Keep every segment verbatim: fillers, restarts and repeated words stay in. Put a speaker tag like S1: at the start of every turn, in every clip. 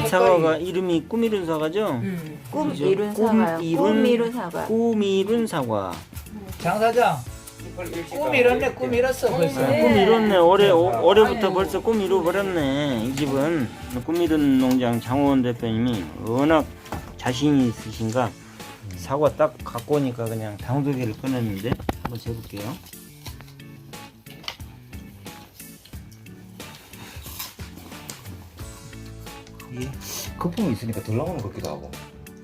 S1: 사과가 이름이 꿈 이룬 사과죠?
S2: 음.
S3: 꿈
S1: 그죠?
S3: 이룬
S1: 꿈
S3: 사과요.
S1: 이룬-
S3: 꿈 이룬 사과.
S1: 꿈 이룬 사과.
S2: 장 사장 꿈 이뤘네. 꿈 이뤘어 벌써.
S1: 아, 꿈 이뤘네. 올해 오, 올해부터 벌써 꿈 이루 버렸네. 이 집은 꿈 이룬 농장 장호원 대표님이 워낙 자신이 있으신가 사과 딱 갖고 오니까 그냥 당도개를 꺼냈는데 한번 재볼게요.
S4: 이게 거품이 있으니까 덜 나오는 것 같기도 하고.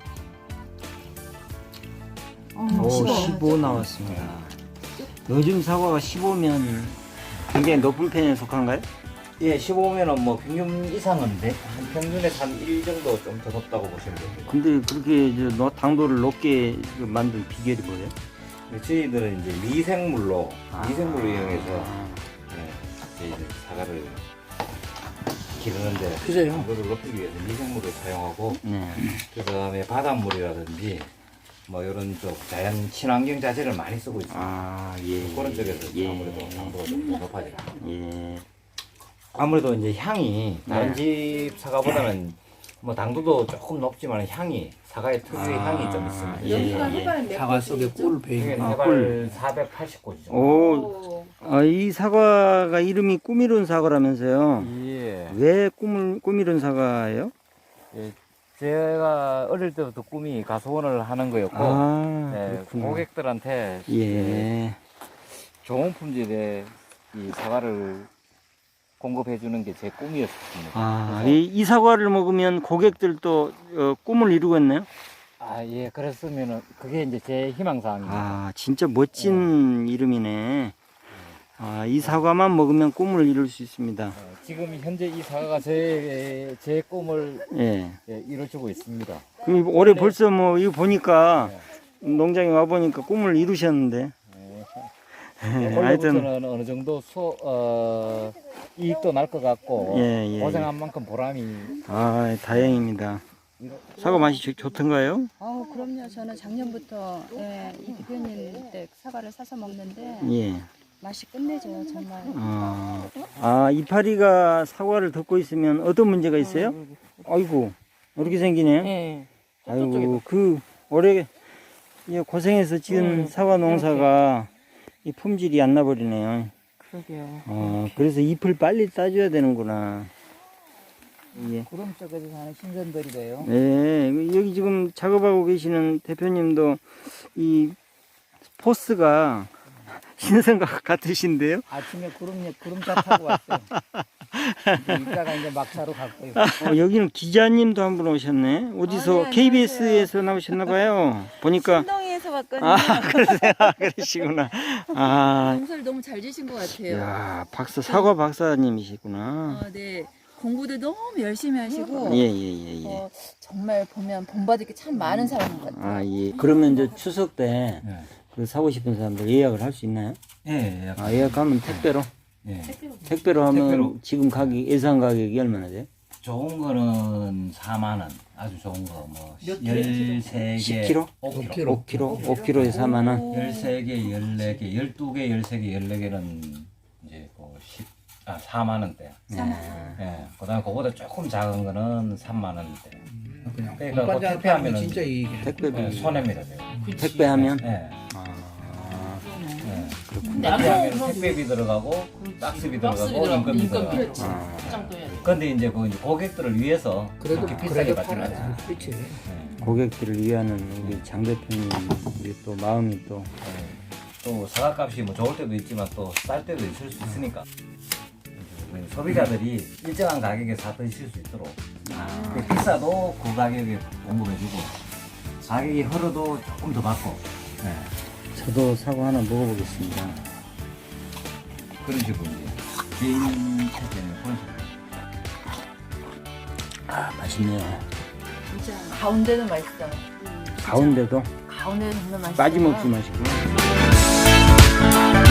S1: 오, 십오 나왔습니다. 요즘 사과가 십오면 굉장히 높은 편에 속한가요?
S4: 예, 십오면은 뭐 평균 이상인데 한 평균에서 한 일 정도 좀 더 높다고 보시면 됩니다.
S1: 근데 그렇게 이제 너- 당도를 높게 만든 비결이 뭐예요?
S4: 근데 저희들은 이제 미생물로
S1: 아.
S4: 미생물을 이용해서 예, 저희들 사과를 기르는데
S2: 그래요.
S4: 당도를 높이기 위해서 미생물을 사용하고
S1: 네.
S4: 그 다음에 바닷물이라든지 뭐 이런 쪽 자연 친환경 자재를 많이 쓰고 있습니다.
S1: 아, 예.
S4: 그런 쪽에서
S1: 예.
S4: 아무래도 당도가 좀 더 높아져요.
S1: 예.
S4: 아무래도 이제 향이 다른
S1: 네.
S4: 집 사과보다는 뭐 당도도 조금 높지만 향이 사과의 특유의
S1: 아,
S4: 향이 좀 있습니다.
S1: 예,
S3: 여기가
S1: 예.
S3: 해발 몇
S2: 사과 속에 꿀
S4: 이게
S2: 베이고.
S1: 아,
S4: 해발
S1: 꿀.
S4: 사백팔십 고지 정도.
S1: 오, 아, 이 사과가 이름이 꿈이룬 사과라면서요?
S4: 예.
S1: 왜 꿈을 꿈이룬 사과예요?
S4: 예. 제가 어릴 때부터 꿈이 가수원을 하는 거였고,
S1: 아,
S4: 네,
S1: 그렇구나.
S4: 고객들한테
S1: 예.
S4: 좋은 품질의 이 사과를 공급해 주는 게 제 꿈이었습니다.
S1: 아,
S4: 그래서-
S1: 이, 이 사과를 먹으면 고객들도 어, 꿈을 이루겠네요?
S4: 아, 예, 그랬으면은 그게 이제 제 희망사항입니다.
S1: 아, 진짜 멋진 이름이네. 아, 이 사과만 먹으면 꿈을 이룰 수 있습니다.
S4: 어, 지금 현재 이 사과가 제, 제 꿈을
S1: 예.
S4: 예, 이루어주고 있습니다.
S1: 그 올해 벌써 뭐 이거 보니까 농장에 와 보니까 꿈을 이루셨는데. 예, 하여튼
S4: 올해부터는 어느 정도 소, 어, 이익도 날 것 같고
S1: 예, 예,
S4: 고생한 만큼 보람이
S1: 아, 다행입니다. 사과 맛이 좋, 좋던가요?
S5: 아, 그럼요. 저는 작년부터 예, 이 대표님 때 사과를 사서 먹는데
S1: 예.
S5: 맛이 끝내줘요, 정말.
S1: 아, 아, 이파리가 사과를 덮고 있으면 어떤 문제가 있어요? 아이고, 이렇게 생기네요.
S3: 네.
S1: 아이고, 그 올해 이 고생해서 지은 사과 농사가 이 품질이 안 나버리네요.
S3: 그러게요.
S1: 어, 그래서 잎을 빨리 따줘야 되는구나. 예.
S2: 구름 쪽에서 사는 신선들이래요.
S1: 네, 여기 지금 작업하고 계시는 대표님도 이 포스가 신선과 같으신데요?
S2: 아침에 구름 구름차 타고 왔어요. 이제 이따가 이제 막차로 갈 거예요.
S1: 어, 여기는 기자님도 한 분 오셨네. 어디서
S3: 아, 네,
S1: 케이비에스에서 나오셨나 봐요. 보니까
S3: 신동에서 왔거든요.
S1: 아, 그러세요. 아, 그러시구나. 아,
S5: 농사를 너무 잘 지신 것 같아요.
S1: 야, 박사 사과 박사님이시구나.
S5: 어, 네. 공부도 너무 열심히 하시고
S1: 예, 예, 예, 예.
S5: 어, 정말 보면 본받을 게 참 많은 사람인 것 같아요.
S1: 아, 예. 그러면 이제 추석 때
S4: 네.
S1: 그 사고 싶은 사람들 예약을 할 수 있나요?
S4: 예, 예,
S1: 아, 예약하면 택배로?
S4: 예.
S1: 택배로 하면
S4: 택배로.
S1: 지금 가격, 예상 가격이 얼마나 돼요?
S4: 좋은 거는 사만 원, 아주 좋은 거 뭐 열세 개,
S1: 십 킬로그램?
S4: 오
S2: 오
S4: 킬로그램.
S2: 킬로그램.
S1: 오 킬로그램? 오 킬로그램에 사만 원?
S4: 열세 개, 열네 개, 열두 개, 열세 개, 열네 개는 이제 뭐 십, 아, 사만 원대. 예. 그다음에 그거보다 조금 작은 거는 삼만 원대.
S2: 그냥
S4: 그러니까
S2: 공판장
S4: 그 택배하면은
S2: 팔면 진짜 이익이네.
S1: 택배비.
S4: 예, 손해입니다. 제가.
S1: 택배하면?
S4: 예.
S1: 아,
S4: 예.
S1: 그렇구나.
S4: 택배하면 택배비 들어가고 박스비 들어가고 인건비 들어가고.
S1: 아,
S4: 근데 이제 그 이제 고객들을 위해서
S2: 그래도
S4: 그렇게 비싸게
S2: 그래도
S4: 받지는
S2: 팔아야
S4: 않아요.
S2: 그렇지.
S4: 예.
S1: 고객들을 위하는 우리 장 대표님 우리 또 마음이 또
S4: 예. 또 사과값이 뭐 좋을 때도 있지만 또 쌀 때도 있을 수 있으니까 소비자들이 일정한 가격에 사 드실 수 있도록 그 비싸도 그 가격에 공급해주고 가격이 흐르도 조금 더 받고 예.
S1: 저도 사과 하나 먹어보겠습니다.
S4: 그런 식으로 이제 개인 체제는 그런 식으로.
S1: 아, 맛있네요.
S3: 진짜 가운데는 맛있어요.
S1: 가운데도
S3: 가운데는 정말 맛있어요.
S1: 빠짐없이 맛있고.